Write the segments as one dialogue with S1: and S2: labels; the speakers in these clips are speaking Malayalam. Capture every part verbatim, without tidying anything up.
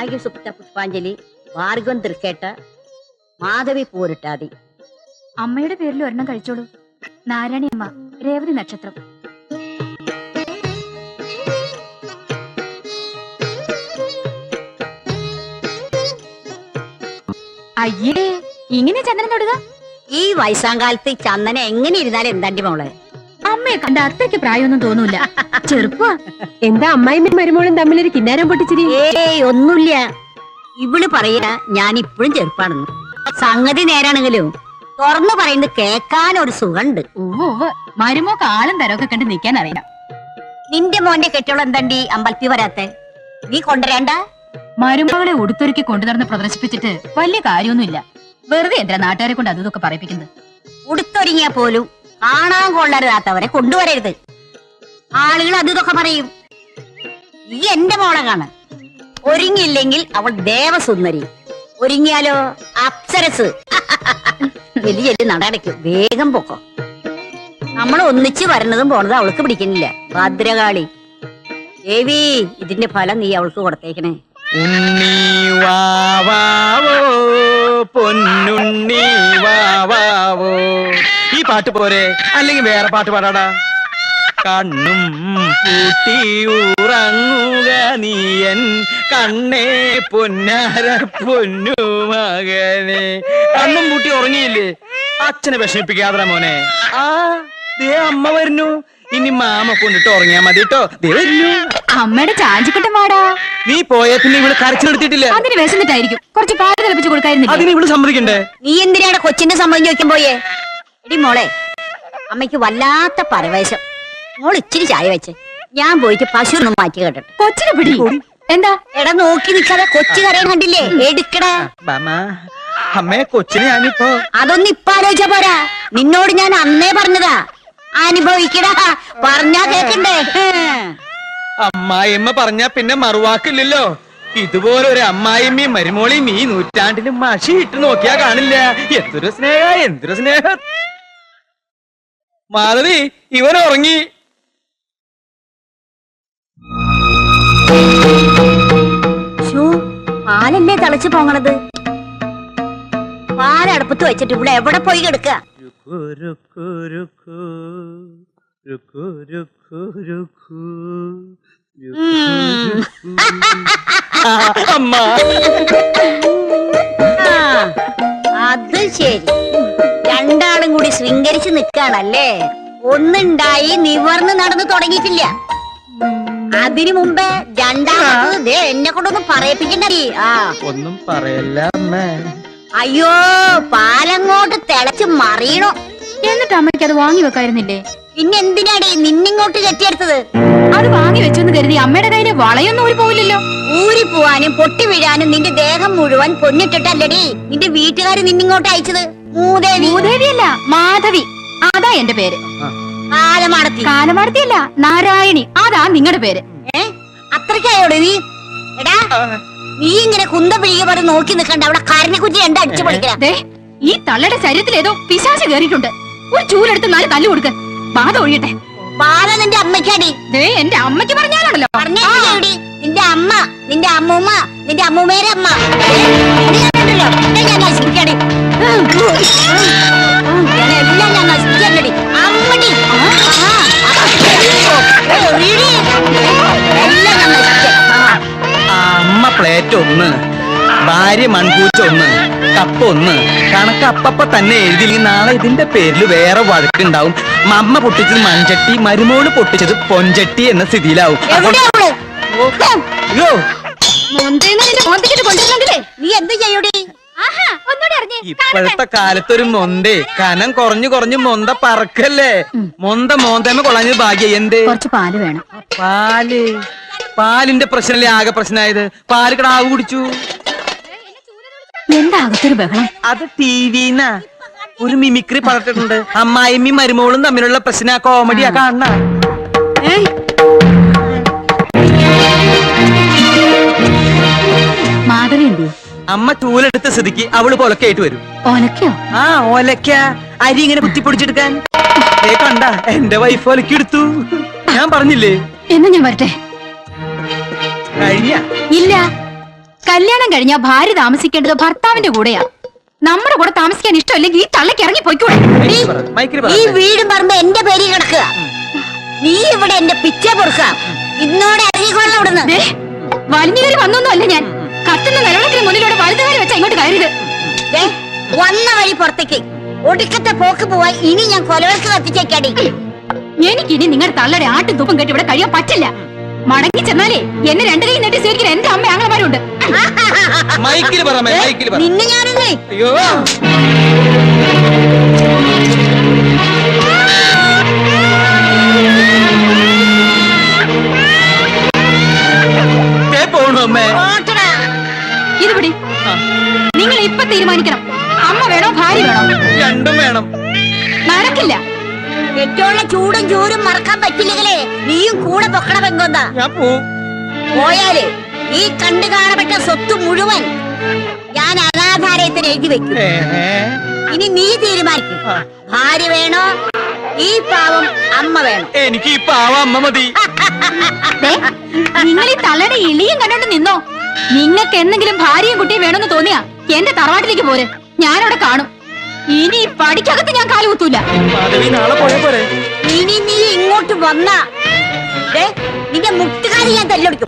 S1: ജാനകി സുപ്ത പുഷ്പാഞ്ജലി, ഭാർഗവൻ തൃക്കേട്ട, മാധവി പൂരിട്ടാതി.
S2: അമ്മയുടെ പേരിൽ ഒരെണ്ണം കഴിച്ചോളൂ. നാരായണി അമ്മ, രേവതി നക്ഷത്രം. അയ്യേ, ഇങ്ങനെ ചന്ദനം തൊടുക?
S1: ഈ വയസ്സാങ്കാലത്ത് ചന്ദന എങ്ങനെ ഇരുന്നാലും എന്താണ്ടി മോളെ?
S2: അമ്മയെ കണ്ട അത്രയ്ക്ക് പ്രായമൊന്നും തോന്നൂല, ചെറുപ്പ.
S3: എന്താ അമ്മായിമ്മയും മരുമോളും തമ്മിലൊരു കിന്നാരം പൊട്ടിച്ചിരി?
S1: ഏയ് ഒന്നുമില്ല. ഇവള് പറയാ ഞാൻ ഇപ്പോഴും ചെറുപ്പാണെന്ന്. സംഗതി നേരാണെങ്കിലും തുറന്നു പറയുന്നത് കേക്കാൻ ഒരു സുഖണ്ട്.
S2: ഓ, മരുമോക്ക് ആളും തരമൊക്കെ കണ്ട് നിക്കാൻ അറിയാം.
S1: നിന്റെ മോന്റെ കെട്ടിയോളം എന്താണ്ടി അമ്പലത്തിൽ വരാത്തെ? നീ കൊണ്ടുവരേണ്ട.
S2: മരുമകളെ ഉടുത്തൊരുക്കി കൊണ്ടുനടന്ന് പ്രദർശിപ്പിച്ചിട്ട് വലിയ കാര്യമൊന്നുമില്ല. വെറുതെ എന്തിനാ നാട്ടുകാരെ കൊണ്ട് അതും ഇതൊക്കെ പറയിപ്പിക്കുന്നത്?
S1: ഉടുത്തൊരുങ്ങിയാ പോലും കാണാൻ കൊള്ളരുതാത്തവരെ കൊണ്ടുവരരുത്. ആളുകൾ അത് ഇതൊക്കെ പറയും. ഈ എന്റെ മോളെ കാണ, ഒരുങ്ങിയില്ലെങ്കിൽ അവൾ ദേവസുന്ദരി, ഒരുങ്ങിയാലോ അപ്സരസ്. വലിയ വലിയ നടടയ്ക്കും. വേഗം പൊക്കോ. നമ്മൾ ഒന്നിച്ച് വരണതും പോണതും അവൾക്ക് പിടിക്കുന്നില്ല. ഭദ്രകാളി ദേവി, ഇതിന്റെ ഫലം നീ അവൾക്ക് കൊടുത്തേക്കണേ.
S4: ഉണ്ണി വാവാവോ പൊന്നുണ്ണി വാവാവോ. ഈ പാട്ട് പോരെ, അല്ലെങ്കിൽ വേറെ പാട്ട് പാടാടാ. കണ്ണും പൂട്ടി ഉറങ്ങുക നീയൻ കണ്ണേ പൊന്നാര പൊന്നു മകനെ. കണ്ണും പൂട്ടി ഉറങ്ങിയില്ലേ? അച്ഛനെ വിഷമിപ്പിക്കാതെ മോനെ. ആ ദേ അമ്മ വരുന്നു. ഇനി മാമ കൊണ്ടിട്ട് ഉറങ്ങിയാ മതി കേട്ടോ. ദേ വരുന്നു
S2: അമ്മയുടെ ചാഞ്ചിക്കട്ടം വാടാ.
S4: നീ പോയ പിന്നെ ഇവള് കരച്ചിലെടുത്തിട്ടില്ല.
S2: അതിന് വിശന്നിട്ടായിരിക്കും. കുറച്ച് പാല് തിളപ്പിച്ച് കൊടുക്കായിരുന്നില്ല?
S4: അതിന് ഇവള് സമ്മതിക്കണ്ടേ?
S1: നീ എന്തിനാണ് കൊച്ചിന്റെ സമ്മതം ചോദിക്കാൻ പോയേ? എടി മോളെ, അമ്മയ്ക്ക് വല്ലാത്ത പരവേശം. മോൾ ഇച്ചിരി ചായ വെച്ച് ഞാൻ പോയിട്ട് പശു ഒന്നും മാറ്റി കേട്ടെ.
S2: കൊച്ചിനെ പിടി. എന്താ
S1: എടാ നോക്കി നിൽക്കാതെ കൊച്ചു കരയാൻ കണ്ടില്ലേ? എടുക്കടാ.
S4: അമ്മേ, കൊച്ചിനെ ഞാനിപ്പോ
S1: അതൊന്നും ഇപ്പൊ ആലോചിച്ചാ പോരാ. നിന്നോട് ഞാൻ അന്നേ പറഞ്ഞതാ, അനുഭവിക്കടാ. പറഞ്ഞാ കേക്കണ്ടേ?
S4: അമ്മായിയമ്മ പറഞ്ഞാ പിന്നെ മറുവാക്കില്ലല്ലോ. ഇതുപോലെ ഒരു അമ്മായിമ്മയും മരുമോളിയും ഈ നൂറ്റാണ്ടിലും മഷി ഇട്ട് നോക്കിയാ കാണില്ല. എന്തൊരു സ്നേഹ, എന്തൊരു സ്നേഹ. മാലതി, ഇവൻ ഉറങ്ങി.
S1: പാലല്ലേ തിളച്ചു പോങ്ങണത്? പാലടുപ്പത്ത് വെച്ചിട്ട് ഇവിടെ എവിടെ പോയി കിടക്കുക? അത് ശരി, രണ്ടാളും കൂടി ശൃംഗരിച്ച് നിൽക്കാണല്ലേ. ഒന്നുണ്ടായി നിവർന്ന് നടന്നു തുടങ്ങിയിട്ടില്ല. അതിനു മുമ്പേ രണ്ടാമത് എന്നെ കൊണ്ടൊന്നും പറയിപ്പിക്കണ്ടേ. ആ
S4: ഒന്നും പറയല്ല അമ്മേ.
S1: അയ്യോ, പാലങ്ങോട്ട് തിളച്ച് മറിയണോ.
S2: എന്നിട്ട് അമ്മയ്ക്ക് അത് വാങ്ങി വെക്കായിരുന്നില്ലേ?
S1: പിന്നെ എന്തിനാടി നിന്നിങ്ങോട്ട് കെട്ടിയെടുത്തത്?
S2: അത് വാങ്ങി വെച്ചെന്ന് കരുതി അമ്മയുടെ കയ്യില് വളയൊന്നും ഊരി പോവില്ലല്ലോ.
S1: ഊരി പോവാനും പൊട്ടി വീഴാനും നിന്റെ ദേഹം മുഴുവൻ പൊന്നിട്ടിട്ടല്ലടി നിന്റെ വീട്ടുകാര് നിന്നിങ്ങോട്ട് അയച്ചത്. മൂദേവി.
S2: മൂദേവിയല്ല, മാധവി. അതാ എന്റെ പേര്.
S1: കാലമാടത്തി.
S2: കാലമാടത്തിയല്ല, നാരായണി. അതാ നിങ്ങളുടെ പേര്.
S1: ഏ അത്രയ്ക്കായോടെ നീ? എടാ, നീ ഇങ്ങനെ കുന്ത പിഴിക പറഞ്ഞ് നോക്കി നിൽക്കണ്ട. അവിടെ കാരനെ കുറ്റി എന്താ അടിച്ചു പൊളിക്കേ?
S2: ഈ തള്ളയുടെ ശരീരത്തിൽ ഏതോ പിശാച് കയറിയിട്ടുണ്ട്. ഒരു ചൂലെടുത്ത് നാല് തല്ലു കൊടുക്ക്, ബാധ ഒഴിയട്ടെ.
S1: ബാധ നിന്റെ അമ്മയ്ക്കാടി.
S2: എന്റെ അമ്മയ്ക്ക് പറഞ്ഞാലാണല്ലോ.
S1: പറഞ്ഞേടി നിന്റെ അമ്മ, നിന്റെ അമ്മൂമ്മ, നിന്റെ അമ്മൂമ്മേരെ അമ്മ. ഞാൻ നശിപ്പിക്കാടി. എല്ലാം ഞാൻ നശിപ്പിക്കണ്ടടി. അമ്മടി എല്ലാം ഞാൻ നശിപ്പിക്കാം.
S4: അമ്മ പ്ലേറ്റ് ഒന്ന്, ഭാര്യ മൺകൂച്ച ഒന്ന്, കപ്പ് ഒന്ന്. കണക്ക് അപ്പപ്പ തന്നെ എഴുതിയില്ലെങ്കിൽ നാളെ ഇതിന്റെ പേരിൽ വേറെ വഴക്കുണ്ടാവും. അമ്മ പൊട്ടിച്ചത് മൺചട്ടി, മരുമോള് പൊട്ടിച്ചത് പൊൻചട്ടി എന്ന സ്ഥിതിയിലാവും.
S1: നീ എന്ത് ചെയ്യൂടി?
S4: ഇപ്പോഴത്തെ കാലത്തൊരു മൊന്തേ കനം കുറഞ്ഞു കുറഞ്ഞു മൊന്ത പറക്കല്ലേ. മൊന്ത മോന്തമ്മ കൊള്ളാഞ്ഞത് ഭാഗ്യ. എന്തേ?
S2: കുറച്ച് പാല് വേണം.
S4: പാല്? പാലിന്റെ പ്രശ്നല്ലേ ആകെ പ്രശ്നമായത്? പാല് കിടാവ് കുടിച്ചു.
S2: എന്താ അകത്തൊരു ബഹളം?
S4: അത് ടി വിന്നാ ഒരു മിമിക്രി പറഞ്ഞിട്ടുണ്ട്. അമ്മായിമ്മയും മരുമോളും തമ്മിലുള്ള പ്രശ്ന കോമഡിയാ കാണണ.
S2: മാധവി എന്തി?
S4: അമ്മ ചൂലെടുത്ത സ്ഥിതിക്ക് അവള് പൊലക്കായിട്ട് വരും.
S2: ഒലക്കോ?
S4: ആ ഒലക്ക. അരി ഇങ്ങനെ കുത്തിപ്പൊടിച്ചെടുക്കാൻ. ഏ കണ്ട, എന്റെ വൈഫ് ഒലക്കി എടുത്തു. ഞാൻ പറഞ്ഞില്ലേ?
S2: എന്നാ ഞാൻ വരട്ടെ.
S4: കഴിഞ്ഞ
S2: ഇല്ല. കല്യാണം കഴിഞ്ഞാൽ ഭാര്യ താമസിക്കേണ്ടത് ഭർത്താവിന്റെ കൂടെയാ. നമ്മുടെ കൂടെ താമസിക്കാൻ ഇഷ്ടമില്ലെങ്കിൽ ഈ തള്ളക്ക് ഇറങ്ങി പോയിക്കൂടെ?
S4: മൈക്കിൽ
S1: ഈ വീടും പറമ്പ് എന്റെ പേരിൽ കിടക്കുക. നീ ഇവിടെ എന്റെ പിച്ച പൊറുക്ക. ഇന്നോടെ ഇറങ്ങിക്കൊള്ളണം ഇവിടുന്ന്.
S2: ദേ, വലിഞ്ഞു കയറി വന്നൊന്നും അല്ല ഞാൻ. കത്തുന്ന നിലവിളക്കിന് മുന്നിലൂടെ വലുതുകാരി വെച്ചാ ഇങ്ങോട്ട് കയറിയത്.
S1: ദേ, വന്ന വഴി പുറത്തേക്ക്. ഒടുക്കത്തെ പോക്ക് പോവാൻ ഇനി ഞാൻ കൊലവർക്ക് കത്തിച്ചേക്കാടി.
S2: എനിക്കിനി നിങ്ങളുടെ തള്ളയുടെ ആട്ടും തൂപ്പും കെട്ടി ഇവിടെ കഴിയാൻ പറ്റില്ല. മടങ്ങി ചെന്നാലേ എന്നെ രണ്ടു കൈ നെട്ടി സ്വീകരിക്കുന്ന എന്റെ അമ്മ ആങ്ങളമാരുണ്ട്.
S4: മൈക്കിൽ പറ മൈക്കിൽ പറ.
S1: നിന്നെ ഞാനല്ലേ
S4: അയ്യോ പോണു അമ്മേ.
S1: ഓട്ടടാ.
S2: ഇത് പിടി. നിങ്ങൾ ഇപ്പൊ തീരുമാനിക്കണം, അമ്മ വേണോ ഭാര്യ വേണോ?
S4: രണ്ടും വേണം.
S2: നടക്കില്ല.
S1: ഏറ്റവും ചൂടും ചൂരും മറക്കാൻ പറ്റില്ലെങ്കിലേ നീയും കൂടെ പൊക്കണ പെങ്കോന്താ.
S4: ഞാൻ പോവും.
S1: പോയാല് ഈ കണ്ടു കാണപ്പെട്ട സ്വത്ത് മുഴുവൻ ഞാൻ അനാഥാലയത്തിന് എഴുതി വെക്കും. ഇനി നീ തീരുമാനിക്കും, ഭാര്യ വേണോ ഈ പാവം അമ്മ വേണോ?
S4: എനിക്ക് ഈ പാവം അമ്മ മതി.
S2: നിങ്ങൾ ഈ തള്ളയുടെ ഇളിയും കണ്ടോണ്ട് നിന്നോ. നിങ്ങൾക്ക് എന്തെങ്കിലും ഭാര്യയും കുട്ടിയും വേണമെന്ന് തോന്നിയാ എന്റെ തറവാട്ടിലേക്ക് പോരെ, ഞാനവിടെ കാണും. ഇനി ഈ പടിക്കകത്ത് ഞാൻ കാലുകുത്തൂല.
S4: നാളെ പോയ പോരെ.
S1: ഇനി നീ ഇങ്ങോട്ട് വന്നാ നിന്റെ മുട്ടുകാരി ഞാൻ തല്ലൊടിക്കും.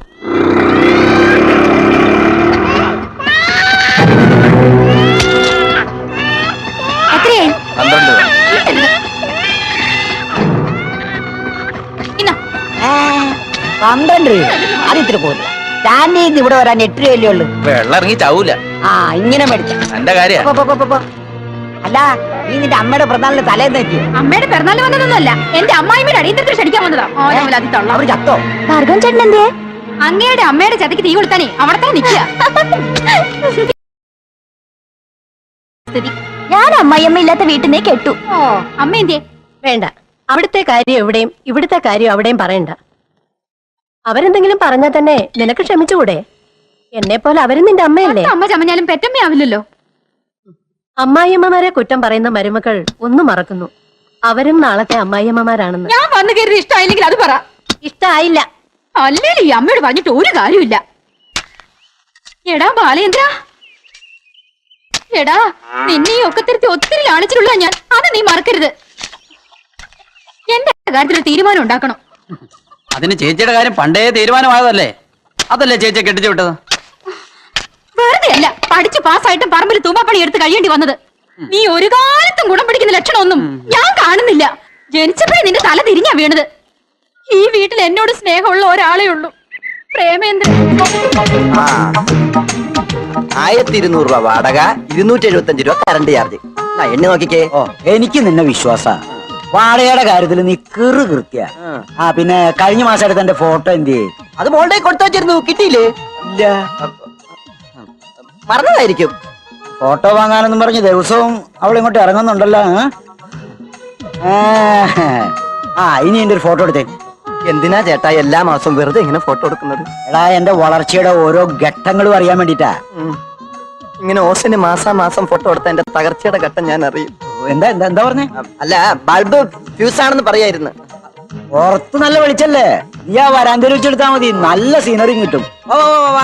S2: എത്രയായി?
S4: പന്ത്രണ്ട്.
S2: ഇന്നാ
S1: പന്ത്രണ്ട് രൂപ അത് ഇത്തിരി പോലും. സ്റ്റാൻഡിൽ ഇവിടെ വരാൻ എട്ട് രൂപയല്ലേ ഉള്ളു.
S4: വെള്ളം ഇറങ്ങി ചാവൂല.
S1: ആ ഇങ്ങനെ മേടിച്ച
S4: എന്റെ കാര്യം.
S1: അല്ല നീ നിന്റെ അമ്മയുടെ പ്രധാന തലേന്ന് എത്തിയോ?
S2: അമ്മയുടെ പിറന്നാൾ വന്നതൊന്നുമല്ല, എന്റെ അമ്മായിമ്മയുടെ അടിയന്തരത്തിൽ ക്ഷണിക്കാൻ വന്നതാ.
S1: അവർ ചത്തോ?
S2: ഭാർഗവൻ ചേട്ടൻ എന്തേ? അങ്ങയുടെ അമ്മയുടെ ചതയ്ക്ക് തീ കൊടുത്താനേ അവിടെ തന്നെ നിൽക്കുക. ഞാൻ അമ്മായിയമ്മ ഇല്ലാത്ത വീട്ടിൽ നിന്ന് കേട്ടു. ഓ അമ്മ എന്തേ?
S3: വേണ്ട, അവിടുത്തെ കാര്യം എവിടെയും ഇവിടുത്തെ കാര്യം അവിടെയും പറയണ്ട. അവരെന്തെങ്കിലും പറഞ്ഞാൽ തന്നെ നിനക്ക് ക്ഷമിച്ചുകൂടെ? എന്നെ പോലെ അവരും നിന്റെ അമ്മയല്ലേ?
S2: അമ്മ ചമഞ്ഞാലും പെറ്റമ്മയാവില്ലല്ലോ.
S3: അമ്മായിയമ്മമാരെ കുറ്റം പറയുന്ന മരുമക്കൾ ഒന്നും മറക്കുന്നു, അവരും നാളത്തെ അമ്മായിയമ്മമാരാണെന്ന്.
S2: ഞാൻ വന്നു കയറി ഇഷ്ടമായില്ലെങ്കിൽ അത് പറ.
S3: ഇഷ്ടായില്ല.
S2: അല്ലേലും ഈ അമ്മയോട് പറഞ്ഞിട്ട് ഒരു കാര്യമില്ല. എടാ ബാലേന്ദ്ര, എടാ നിന്നെ ഈ ഒക്കത്തിരുത്തി ഒത്തിരി ലാളിച്ചിട്ടുള്ള ഞാൻ, അത് നീ മറക്കരുത്. എന്റെ കാര്യത്തിൽ തീരുമാനം ഉണ്ടാക്കണം.
S5: അതിന് ചേച്ചിയുടെ കാര്യം പണ്ടേ തീരുമാനമായതല്ലേ, അതല്ലേ ചേച്ചിയെ കെട്ടിച്ചു വിട്ടത്?
S2: വെറുതെ അല്ല പഠിച്ച് പാസ്സായിട്ടും പറമ്പിൽ തൂമ്പാപ്പണി എടുത്ത് കഴിയേണ്ടി വന്നത്. നീ ഒരു കാലത്തും ഗുണം പിടിക്കുന്ന ലക്ഷണമൊന്നും ഞാൻ കാണുന്നില്ല. ജനിച്ചപ്പോഴേ നിന്റെ തല തിരിഞ്ഞാ വീണത്. ഈ വീട്ടിൽ എന്നോട് സ്നേഹമുള്ള ഒരാളേ ഉള്ളൂ, പ്രേമേന്ദ്രൻ.
S6: ആയിരത്തി ഇരുന്നൂറ് രൂപ വാടക, ഇരുന്നൂറ്റി എഴുപത്തി അഞ്ച് രൂപ കറണ്ട് ചാർജ്. എണ്ണി നോക്കിക്കേ.
S7: ഓ എനിക്ക് നിന്നെ വിശ്വാസ. വാടകയുടെ കാര്യത്തിൽ നീ കിറു കൃത്യ. ആ പിന്നെ കഴിഞ്ഞ മാസം എടുത്ത എന്റെ ഫോട്ടോ എന്ത്?
S6: അത് മോളുടെ കൊടുത്തു വെച്ചിരുന്നു, കിട്ടിയില്ലേ?
S7: ഇല്ല,
S6: മറന്നതായിരിക്കും.
S7: ഫോട്ടോ വാങ്ങാനെന്നും പറഞ്ഞ് ദിവസവും അവൾ ഇങ്ങോട്ട് ഇറങ്ങുന്നുണ്ടല്ലോ. ആ, ആ ഇനി എന്റെ ഒരു ഫോട്ടോ എടുത്തേ.
S6: എന്തിനാ ചേട്ടാ എല്ലാ മാസവും വെറുതെ ഇങ്ങനെ ഫോട്ടോ എടുക്കുന്നത്?
S7: എടാ എന്റെ വളർച്ചയുടെ ഓരോ ഘട്ടങ്ങളും അറിയാൻ വേണ്ടിട്ടാ.
S6: ഇങ്ങനെ ഓസിന് മാസാ മാസം ഫോട്ടോ എടുത്ത എന്റെ തകർച്ചയുടെ ഘട്ടം ഞാൻ അറിയും.
S7: എന്താ എന്താ എന്താ പറഞ്ഞേ?
S6: അല്ല, ബൾബ് ഫ്യൂസ് ആണെന്ന് പറയായിരുന്നു.
S7: പുറത്ത് നല്ല വെളിച്ചല്ലേ, നീ ആ വരാന്തയിൽ വെച്ചെടുത്താ മതി, നല്ല സീനറി കിട്ടും.
S6: ഓ വാ.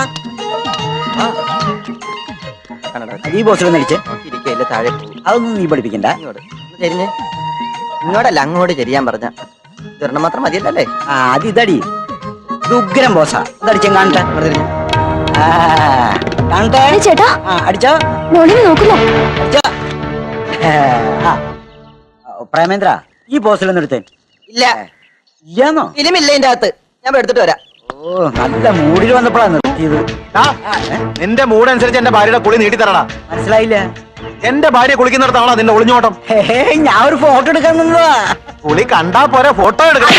S7: ഈ ബോസിലൊന്ന് അടിച്ചേ.
S6: ഇരിക്കയില്ല, താഴെ പോകും.
S7: അതൊന്നും നീ പഠിപ്പിക്കണ്ട.
S6: ഇങ്ങോട്ട് ചെരിഞ്ഞ്. ഇങ്ങോട്ടല്ല അങ്ങോട്ട് ചെരിയാൻ പറഞ്ഞ ഇതൊരെണ്ണം മാത്രം മതിയല്ലേ?
S7: ആ അത് ഇതടി, ഇത് ഉഗ്രം ബോസാ. അതടിച്ചും കാണട്ടെ. ആ, കാണട്ടെ
S2: ചേട്ടാ
S7: ആ അടിച്ചോ
S2: മോളിനെ നോക്കുന്നോ?
S7: അടിച്ചോ. ആ, പ്രേമേന്ദ്ര ഈ ബോസിലൊന്നും എടുത്തേ.
S6: ഇല്ല,
S7: ഇല്ലാന്നോ?
S6: ഫിലിമില്ല ഇതിന്റെ അകത്ത്. ഞാൻ പോയി എടുത്തിട്ട് വരാം.
S7: ഓ നല്ല മൂഡിൽ വന്നപ്പോഴാണ് നിർത്തിയത്.
S8: നിന്റെ മൂഡ് അനുസരിച്ച് എന്റെ ഭാര്യയുടെ കുളി നീട്ടി തരണ.
S7: മനസ്സിലായില്ല?
S8: എന്റെ ഭാര്യ കുളിക്കുന്നിടത്താണോ നിന്റെ ഒളിഞ്ഞോട്ടം?
S7: ഹേ, ഞാൻ ഒരു ഫോട്ടോ എടുക്കാൻ നിന്നതാ.
S8: കുളി കണ്ടാ പോരെ, ഫോട്ടോ എടുക്കണം.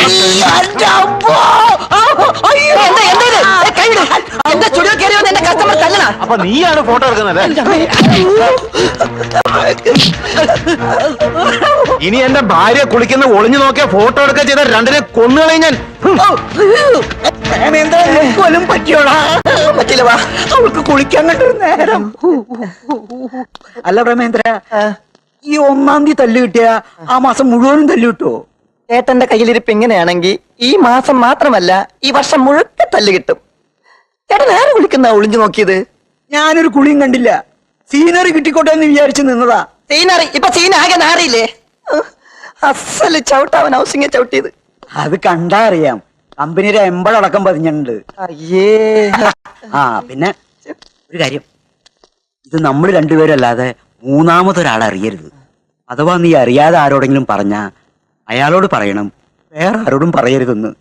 S8: അപ്പൊ നീയാണ് ഫോട്ടോ എടുക്കുന്നത്. ഇനി എന്റെ ഭാര്യ കുളിക്കുന്ന ഒളിഞ്ഞു നോക്കിയ ഫോട്ടോ എടുക്കുക ചെയ്ത രണ്ടിനെ കൊന്നുകളെ ഞാൻ.
S7: കൊല്ലും പറ്റിയോടാ? പറ്റില്ല, വാ അവൾക്ക് കുളിക്കാൻ കണ്ടൊരു നേരം. അല്ല പ്രേമേന്ദ്ര, ഈ ഒന്നാം തീയതി തല്ലു കിട്ടിയ ആ മാസം മുഴുവനും തല്ലു കിട്ടുമോ?
S6: ഏട്ടന്റെ കയ്യിലിരിപ്പ് ഇങ്ങനെയാണെങ്കിൽ ഈ മാസം മാത്രമല്ല ഈ വർഷം മുഴുക്കെ തല്ല് കിട്ടും. ചേട്ടൻ ആരെ വിളിക്കുന്ന ഒളിഞ്ഞു നോക്കിയത്?
S7: ഞാനൊരു കുളിയും കണ്ടില്ല. സീനറി കിട്ടിക്കോട്ടെ എന്ന് വിചാരിച്ചു നിന്നതാ.
S6: സീനറി ഇപ്പൊ സീൻ ആകെ നാറിയില്ലേ? അസല് ചവിട്ടാവൻ ഹൗസിംഗ് ചവിട്ടിയത്.
S7: അത് കണ്ടാ അറിയാം. കമ്പനിയുടെ എമ്പളടക്കം പതിഞ്ഞിട്ടുണ്ട്.
S6: അയ്യേ.
S7: ആ പിന്നെ ഒരു കാര്യം, ഇത് നമ്മൾ രണ്ടുപേരും അല്ലാതെ മൂന്നാമതൊരാൾ അറിയരുത്. അഥവാ നീ അറിയാതെ ആരോടെങ്കിലും പറഞ്ഞ അയാളോട് പറയണം, വേറെ ആരോടും പറയരുതെന്ന്.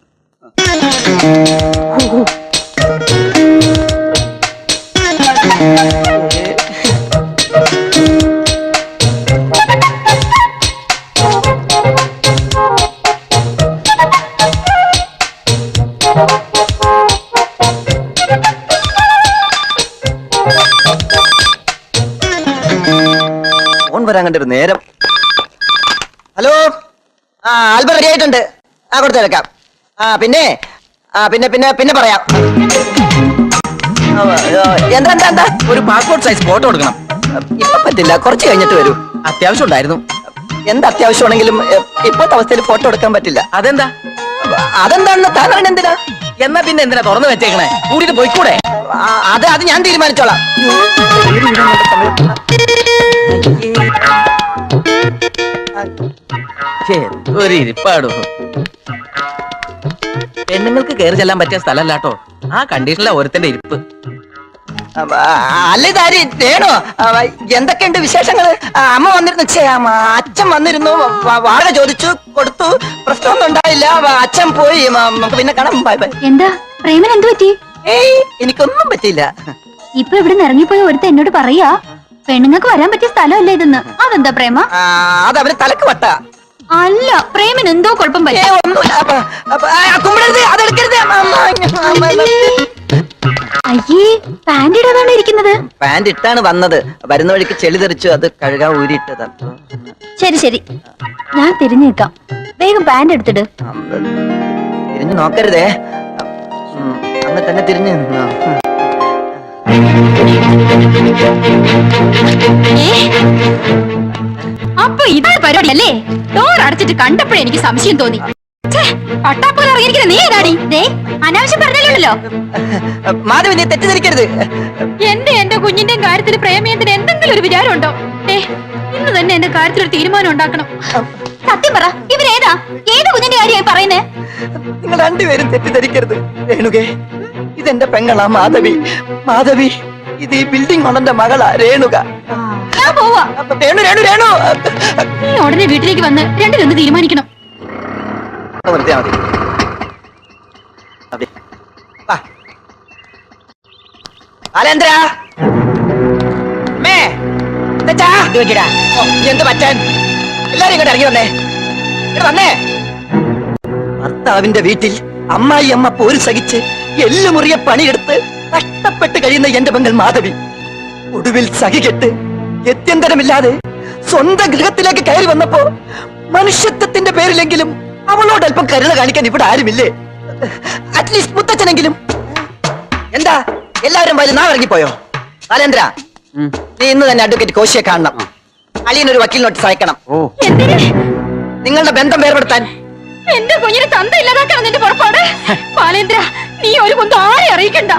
S6: ഫോൺ വരാൻ കണ്ടൊരു നേരം. ഹലോ, ആ ആൽബം റെഡി ആയിട്ടുണ്ട്. ആ കൊടുത്തേക്കാം. ആ പിന്നെ ആ പിന്നെ പിന്നെ പിന്നെ പറയാം. ആ, എന്താ എന്താ എന്താ
S4: ഒരു പാസ്പോർട്ട് സൈസ് ഫോട്ടോ എടുക്കണം.
S6: ഇപ്പൊ പറ്റില്ല, കുറച്ച് കഴിഞ്ഞിട്ട് വരൂ.
S4: അത്യാവശ്യം ഉണ്ടായിരുന്നു.
S6: എന്ത് അത്യാവശ്യമാണെങ്കിലും എ, ഇപ്പോഴത്തെ അവസ്ഥയിൽ ഫോട്ടോ എടുക്കാൻ പറ്റില്ല.
S4: അതെന്താ?
S6: അതെന്താണെന്ന് താൻ അറിയണ എന്തിനാ?
S4: എന്നാ പിന്നെ എന്തിനാ തുറന്നു വെച്ചേക്കണേ? കൂടിയിട്ട് പോയിക്കൂടെ?
S6: ആ, അത് അത് ഞാൻ തീരുമാനിച്ചോളാം.
S4: ഒരു ഇരിപ്പാടോ. പെണ്ണുങ്ങൾക്ക് കയറി ചെല്ലാൻ പറ്റിയ സ്ഥലമല്ലാട്ടോ ആ കണ്ടീഷനിലാ ഒരുത്തന്റെ ഇരിപ്പ്.
S6: അല്ല ഇതാര് രേണു? എന്തൊക്കെയുണ്ട് വിശേഷങ്ങള്? ആ, അമ്മ വന്നിരുന്നു. ഛേ, അമ്മ, അച്ഛൻ വന്നിരുന്നു. വ- വാടക ചോദിച്ചു, കൊടുത്തു. പ്രശ്നമൊന്നും ഉണ്ടായില്ല. വ- അച്ഛൻ പോയി. മ- നമുക്ക് പിന്നെ കാണാം. Bye bye.
S2: എന്താ പ്രേമൻ എന്തു പറ്റി?
S6: ഏയ്, എനിക്കൊന്നും പറ്റിയില്ല.
S2: ഇപ്പൊ ഇവിടെ ഇറങ്ങിപ്പോയി ഒരുത്ത എന്നോട് പറയാ പെണ്ണുങ്ങൾക്ക് വരാൻ പറ്റിയ സ്ഥലമല്ല ഇതെന്ന്. അതെന്താ പ്രേമ?
S6: ആ, അത് അവന് തലക്ക് വട്ട.
S2: അല്ല, പ്രേമൻ എന്തോ കുഴപ്പം
S6: ഏ,
S2: പറ്റി.
S6: ഒന്നുമില്ല. അപ്പ- അപ്പ- ആ, കുമ്പിടരുത്, അതെടുക്കരുത്. അമ്മ, അമ്മ, അമ്മ, അമ്മ.
S2: അയ്യേ, പാന്റ് ഇടാതാണ് ഇരിക്കുന്നത്.
S6: പാന്റ് ഇട്ടാണ് വന്നത്. വരുന്ന വഴിക്ക് ചെളി തെറിച്ചു, അത് കഴുകാൻ ഊരിയിട്ടത്.
S2: ശരി ശരി, ഞാൻ തിരിഞ്ഞു നിൽക്കാം. വേഗം പാന്റ് എടുത്തിട്.
S6: തിരിഞ്ഞു നോക്കരുതേ. ഉം, അങ്ങ് തന്നെ തിരിഞ്ഞു നിന്നോ.
S2: അപ്പൊ ഇതാണ് പരിപാടി അല്ലേ? ഡോർ അടച്ചിട്ട് കണ്ടപ്പോഴേ എനിക്ക് സംശയം തോന്നി. പട്ടാപ്പോലെ ഇറങ്ങിയിരിക്കുന്ന നീ ഏതാടി? ദേ, അനാവശ്യം പറഞ്ഞല്ലോ.
S6: മാധവി, നീ തെറ്റിദ്ധരിക്കരുത്.
S2: എന്റെ എന്റെ കുഞ്ഞിന്റെയും കാര്യത്തിൽ പ്രേമയത്തിന് എന്തെങ്കിലും ഒരു വിചാരം ഉണ്ടോ? ഏ, ഇന്ന് തന്നെ എന്റെ കാര്യത്തിൽ ഒരു തീരുമാനം ഉണ്ടാക്കണം. സത്യം പറ, ഇവരേതാ? ഏത് കുഞ്ഞിന്റെ കാര്യമായി പറയുന്നേ?
S6: നിങ്ങൾ രണ്ടുപേരും തെറ്റിദ്ധരിക്കരുത്. രേണുകേ, ഇതെന്റെ പെങ്ങളാ മാധവി. മാധവി, ഇത് ഈ ബിൽഡിംഗ് ഓണന്റെ മകളാ രേണുക.
S2: ഞാൻ പോവാ.
S6: രേണു രേണു രേണു
S2: നീ ഉടനെ വീട്ടിലേക്ക് വന്ന് രണ്ടിലൊന്ന് തീരുമാനിക്കണം.
S6: നിർത്തിയാ മതി. അതെ. വാ. ബാലേന്ദ്ര. അമ്മേ, എന്താച്ചാ? ഓ, എന്ത് പറ്റാൻ? എല്ലാരും ഇങ്ങോട്ട് ഇറങ്ങി വന്നേ. ഇങ്ങോട്ട് വന്നേ. ഭർത്താവിന്റെ വീട്ടിൽ അമ്മായി അമ്മ പോര് സഹിച്ച് എല്ലുമുറിയ പണിയെടുത്ത് കഷ്ടപ്പെട്ട് കഴിയുന്ന എന്റെ പെങ്ങൾ മാധവി ഒടുവിൽ സഹികെട്ട് ഗത്യന്തരമില്ലാതെ സ്വന്തം ഗൃഹത്തിലേക്ക് കയറി വന്നപ്പോ മനുഷ്യത്വത്തിന്റെ പേരിലെങ്കിലും അവളോട് അല്പം കരുണ കാണിക്കാൻ ഇവിടെ ആരുമില്ലേ? അറ്റ്ലീസ്റ്റ് മുത്തച്ഛനെങ്കിലും. എന്താ എല്ലാവരും വരും നാ ഇറങ്ങിപ്പോയോ? ബാലേന്ദ്ര, നീ ഇന്ന് തന്നെ അഡ്വക്കേറ്റ് കോശിയെ കാണണം. അളിയനൊരു വക്കീൽ നോട്ടീസ് അയക്കണം.
S2: എന്തിന്?
S6: നിങ്ങളുടെ ബന്ധം വേർപെടുത്താൻ.
S2: എന്റെ കുഞ്ഞിന് തന്ത ഇല്ലാതാക്കണം നിന്റെ പുറപ്പാട്. ബാലേന്ദ്ര, നീ ഒരു കുന്തം ആരെ അറിയിക്കണ്ട.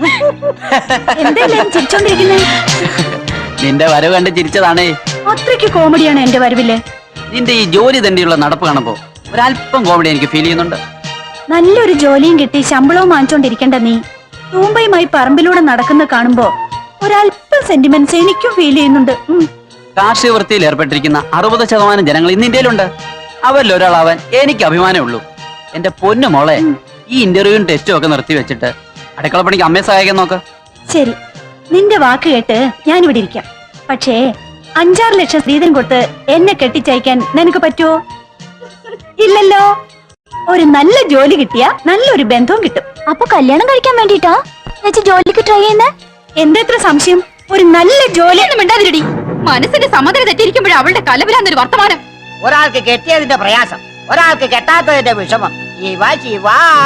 S2: എന്തെല്ലാം ചിരിച്ചോണ്ടിരിക്കുന്നേ?
S5: നിന്റെ വരവ് കണ്ട് ചിരിച്ചതാണേ.
S2: അത്രയ്ക്ക് കോമഡിയാണ് എന്റെ വരവില്ലേ?
S5: നിന്റെ ഈ ജോലി തന്നെയുള്ള നടപ്പ് കാണുമ്പോ ഒരല്പം കോമഡി എനിക്ക് ഫീൽ ചെയ്യുന്നുണ്ട്.
S2: നല്ലൊരു ജോലിയും കിട്ടി ശമ്പളവും വാങ്ങിച്ചോണ്ടിരിക്കണ്ട നീ തൂമ്പയുമായി പറമ്പിലൂടെ നടക്കുന്ന കാണുമ്പോ ഒരല്പം സെന്റിമെന്റ്സ് എനിക്കും ഫീൽ ചെയ്യുന്നുണ്ട്.
S5: കാർഷിക വൃത്തിയിൽ ഏർപ്പെട്ടിരിക്കുന്ന അറുപത് ശതമാനം ജനങ്ങൾ ഇന്ന് ഇന്ത്യയിലുണ്ട്. അവരിൽ ഒരാളാവാൻ എനിക്ക് അഭിമാനമേ ഉള്ളൂ. എന്റെ പൊന്നു മോളെ, ഈ ഇന്റർവ്യൂവും ടെസ്റ്റും ഒക്കെ നിർത്തി വെച്ചിട്ട് അടുക്കള പണിക്ക് അമ്മയെ സഹായിക്കാൻ നോക്ക്.
S2: ശരി, നിന്റെ വാക്ക് കേട്ട് ഞാനിവിടെ ഇരിക്കാം. പക്ഷേ അഞ്ചാറ് ലക്ഷം സ്ത്രീധനം കൊടുത്ത് എന്നെ കെട്ടിച്ചയക്കാൻ നിനക്ക് പറ്റുമോ? ഇല്ലല്ലോ. ഒരു നല്ല ജോലി കിട്ടിയ നല്ലൊരു ബന്ധവും കിട്ടും. അപ്പൊ കല്യാണം കഴിക്കാൻ വേണ്ടിട്ടാ ജോലിക്ക് ട്രൈ ചെയ്യുന്ന? എന്തെത്ര സംശയം? ഒരു നല്ല ജോലി ഒന്നും മിണ്ടാതിരടി. മനസ്സിന്റെ സമനില തെറ്റിയിരിക്കുമ്പോഴേ അവളുടെ കലവിലാന്നൊരു വർത്തമാനം.
S1: ഒരാൾക്ക് കെട്ടിയതിന്റെ പ്രയാസം, ഒരാൾക്ക് കെട്ടാത്തതിന്റെ വിഷമം. ശിവ ശിവ.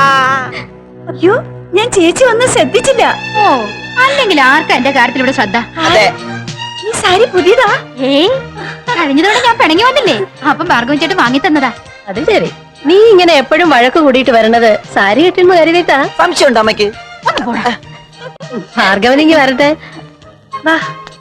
S2: അയ്യോ, ഞാൻ ചേച്ചി ഒന്നും ശ്രദ്ധിച്ചില്ല. ഓ, അല്ലെങ്കിൽ ആർക്കാ എന്റെ കാര്യത്തിൽ ഇവിടെ ശ്രദ്ധ?
S6: അതെ.
S2: ഈ സാരി പുതിയതാ? ഏയ്, കഴിഞ്ഞ തവണ ഞാൻ പിണങ്ങി വന്നില്ലേ, അപ്പം ഭാർഗവൻ ചേട്ടൻ വാങ്ങി തന്നതാ.
S3: അത് ശരി. നീ ഇങ്ങനെ എപ്പോഴും വഴക്ക് കൂടിയിട്ട് വരണത് സാരി കെട്ടുമ്പോ കരുതിട്ടാ?
S6: സംശയമുണ്ടോ അമ്മയ്ക്ക്?
S2: ഒന്ന് പോടാ.
S3: ഭാർഗവനിങ്ങി വരട്ടെ. വാ